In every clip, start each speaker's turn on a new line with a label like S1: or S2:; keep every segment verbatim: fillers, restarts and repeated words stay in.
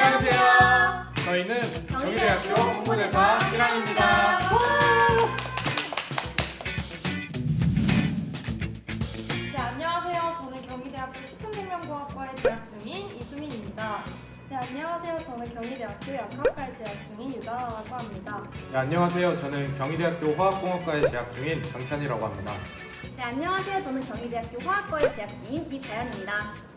S1: 안녕하세요. 저희는 경희대학교 홍보대사 일 학년입니다.
S2: 네, 안녕하세요. 저는 경희대학교 식품생명과학과에 재학 중인 이수민입니다.
S3: 네, 안녕하세요. 저는 경희대학교 약학과에 재학 중인 유다라고 합니다.
S1: 네, 안녕하세요. 저는 경희대학교 화학공학과에 재학 중인 강찬이라고 합니다.
S3: 네, 안녕하세요. 저는 경희대학교 화학과에 재학 중인 이자연입니다.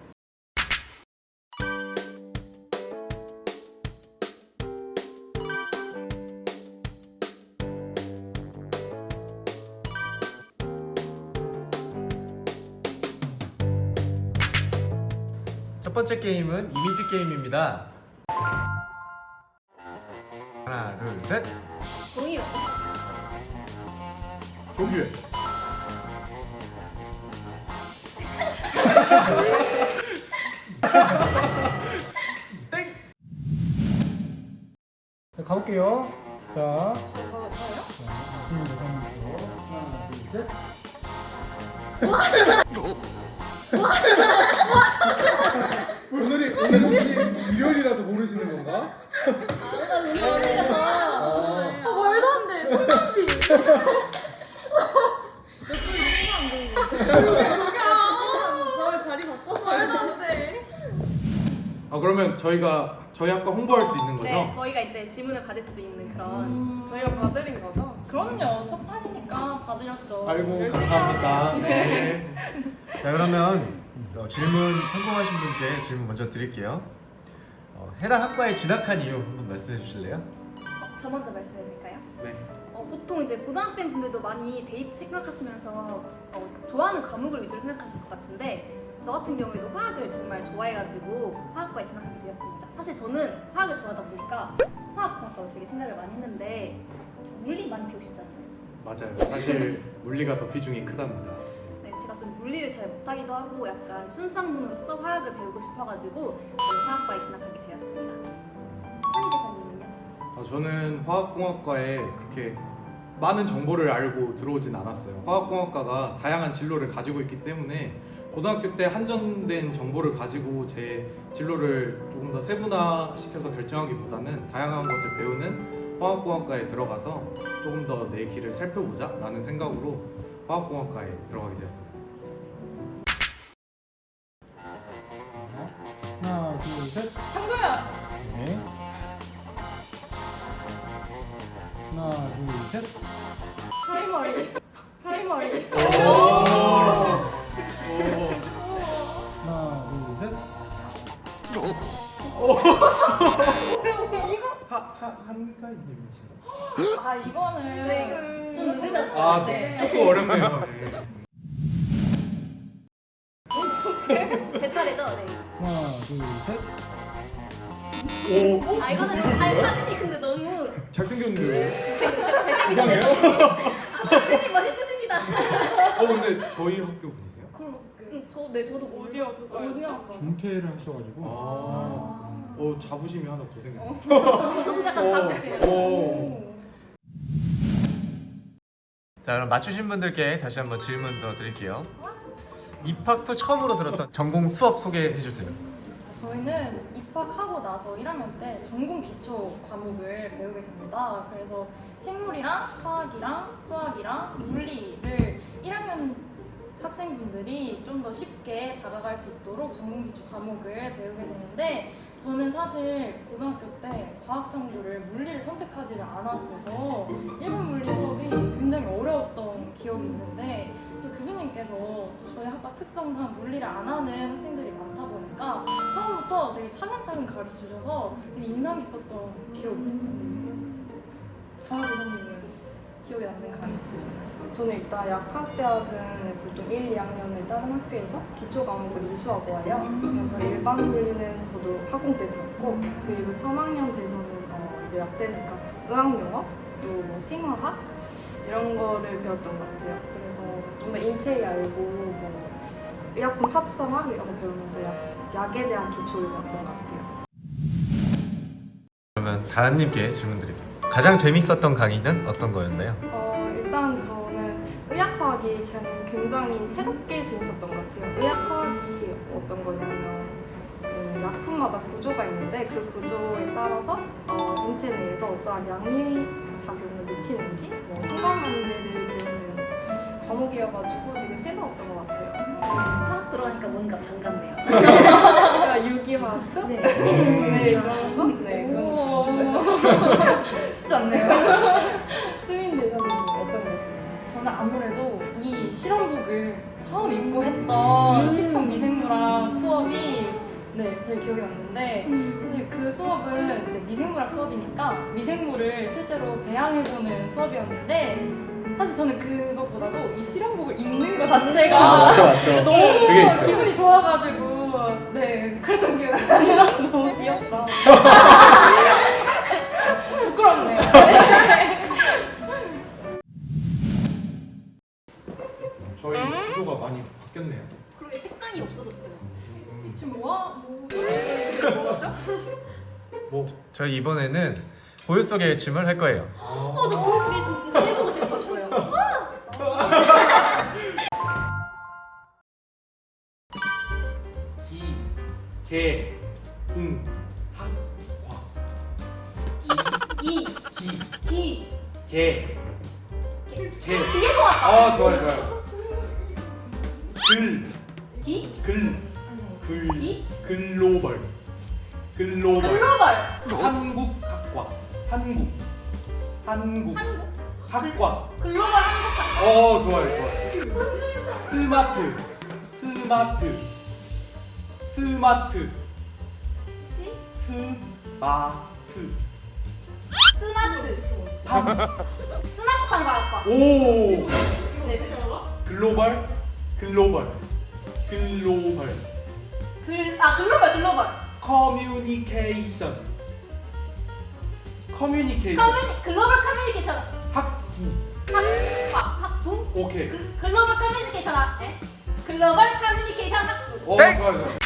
S4: 첫 번째 게임은 이미지 게임입니다. 하나, 둘, 셋.
S3: 공유.
S1: 조규.
S4: 땡. 자, 가볼게요. 자,
S2: 저, 저요?
S4: 스물 대상부터 하나, 둘, 셋. 오늘이 오늘 혹시 일요일이라서 모르시는 건가?
S3: 아, 운동실에서.
S4: 아,
S2: 아, 말도 안 돼. 손담비. 아, 자리 바꿔서 말도 안 돼.
S1: 아 그러면 저희가 저희 학과 홍보할 수 있는 거죠?
S3: 네, 저희가 이제 질문을 받을 수 있는 그런.
S2: 음, 저희가 봐드린 거죠? 그럼요. 첫 판이니까 봐드렸죠.
S1: 아이고
S2: 열심히
S1: 감사합니다.
S2: 하세요.
S1: 네.
S4: 자, 그러면 어, 질문 성공하신 분께 질문 먼저 드릴게요. 어, 해당 학과에 진학한 이유 한번 말씀해 주실래요?
S3: 어, 저 먼저 말씀해도 될까요?
S1: 네.
S3: 어, 보통 이제 고등학생 분들도 많이 대입 생각하시면서 어, 좋아하는 과목을 위주로 생각하실 것 같은데 저 같은 경우에도 화학을 정말 좋아해가지고 화학과에 진학하게 되었습니다. 사실 저는 화학을 좋아하다 보니까 화학공학과로 되게 생각을 많이 했는데 물리 많이 배우시잖아요.
S1: 맞아요. 사실 물리가 더 비중이 크답니다.
S3: 네, 제가 좀 물리를 잘 못하기도 하고 약간 순수학문으로서 화학을 배우고 싶어가지고 저는 화학과에 진학하게 되었습니다. 한희 대사님은요?
S1: 아, 저는 화학공학과에 그렇게 많은 정보를 알고 들어오진 않았어요. 화학공학과가 다양한 진로를 가지고 있기 때문에 고등학교 때 한정된 정보를 가지고 제 진로를 조금 더 세분화시켜서 결정하기보다는 다양한 것을 배우는 화학공학과에 들어가서 조금 더 내 길을 살펴보자 라는 생각으로 화학공학과에 들어가게 되었습니다.
S4: 하나, 둘, 셋.
S2: 창조야.
S4: 네. 하나, 둘, 셋.
S2: 프라이머리. 프라이머리.
S4: 하나, 둘, 셋.
S1: 하하 한가인님이신가요?
S2: 아, 이거는
S3: 좀 늦으셨어요.
S1: 아
S3: 네.
S1: 조금 어렵네요. 네.
S3: 제 차례죠? 네.
S4: 하나, 둘, 셋.
S1: 오
S3: 아 이거는 아니 사진이 근데 너무
S1: 잘생겼는데요?
S3: 잘생기셨네요.
S1: 이상해요?
S3: 아, 사진이 멋있으십니다.
S1: 어 근데 저희 학교 분이세요?
S2: 그렇게.
S3: 응, 저, 네, 저도
S2: 어디 학과? 어디 학과?
S4: 중퇴를 하셔가지고.
S1: 아, 어 자부심이 하나 더 생겼네.
S3: 저도 약간 작으시네요.
S1: 오.
S4: 자, 그럼 맞추신 분들께 다시 한번 질문 더 드릴게요. 입학 후 처음으로 들었던 전공 수업 소개해 주세요.
S2: 저희는 입학하고 나서 일 학년 때 전공 기초 과목을 배우게 됩니다. 그래서 생물이랑 화학이랑 수학이랑 물리를 일 학년 학생분들이 좀 더 쉽게 다가갈 수 있도록 전공 기초 과목을 배우게 되는데 저는 사실 고등학교 때 과학 탐구를 물리를 선택하지를 않았어서 일본 물리 수업이 굉장히 어려웠던 기억이 있는데 또 교수님께서 또 저희 학과 특성상 물리를 안 하는 학생들이 많다 보니까 처음부터 되게 차근차근 가르쳐 주셔서 되게 인상 깊었던 기억이 있습니다. 강화 교수님은 기억에 남는 강의 있으셨나요?
S5: 저는 일단 약학대학은 보통 일, 이 학년을 다른 학교에서 기초 과목을 이수하고 와요. 그래서 일반 물리는 저도 학공 때 들었고, 그리고 삼 학년 돼서는 어 이제 약대니까 의학용어, 또 생화학 이런 거를 배웠던 것 같아요. 그래서 좀 더 인체에 알고 뭐 의약품 합성학 이런 거 배우면서 약, 약에 대한 기초를 배웠던 것 같아요.
S4: 그러면 다은님께 질문 드릴게요. 가장 재밌었던 강의는 어떤 거였나요?
S5: 어, 일단 저는 의학화학이 그냥 굉장히 새롭게 재밌었던 것 같아요. 의학화학이 어떤 거냐면 그 저희는 약품마다 구조가 있는데 그 구조에 따라서 어, 인체 내에서 어떠한 양리 작용을 미치는지 뭐 순간관계를 배우는 과목이어가지고 되게 새로웠던 것 같아요.
S3: 화학 들어가니까 뭔가 반갑네요.
S5: 그러니까 유기화학죠?
S3: 네.
S5: 네, 그런 거? 네, 그런 거.
S2: 오. 쉽지 않네요.
S5: 수민 대사님 어떤 거 있어요?
S2: 저는 아무래도 이 실험복을 처음 입고 했던
S3: 음.
S2: 식품 미생물학 수업이 네, 제일 기억에 남는데 사실 그 수업은 이제 미생물학 수업이니까 미생물을 실제로 배양해보는 수업이었는데 사실 저는 그것보다도 이 실험복을 입는 것 자체가
S4: 아, 맞죠, 맞죠.
S2: 너무
S4: 그게 있죠.
S2: 기분이 좋아가지고 네 그랬던 기억이 있습니다.
S5: 너무 귀엽다.
S2: 부끄럽네요.
S1: 저희 구조가 많이 바뀌었네요.
S3: 그러게 책상이 없어졌어요.
S2: 지금 뭐야? 뭐죠?
S1: 뭐
S4: 저희 이번에는 고요 속의 짐을 할 거예요.
S3: 어, 저 보이스게임 좀 진짜 해보고 싶었어요.
S1: 기, 개, 응, 학, 과.
S3: 이,
S1: 기,
S3: 기,
S1: 개,
S3: 개.
S1: 개.
S3: 되게 좋았다.
S1: 아 좋아요 좋아요. 글,
S3: 기,
S1: 글, 글,
S3: 기,
S1: 글로벌, 글로벌.
S3: 글로벌,
S1: 한국 학과, 한국, 한국
S3: 한국,
S1: 학과.
S3: 글로벌 한국학.
S1: 어 좋아요 좋아요. 스마트, 스마트, 스마트,
S3: 시,
S1: 스마트.
S3: 스마트,
S1: 한.
S3: 스마트 상가학과.
S1: 오.
S3: 네,
S1: 글로벌, 글로벌, 글로벌.
S3: 글, 아 글로벌, 글로벌.
S1: 커뮤니케이션, 커뮤니케이션.
S3: 커뮤니, 글로벌 커뮤니케이션
S1: 학부.
S3: 학과, 학부.
S1: 오케이.
S3: 글, 글로벌 커뮤니케이션 학, 에? 글로벌 커뮤니케이션 학부.
S1: 어
S4: 땡!
S1: 좋아요 좋아요.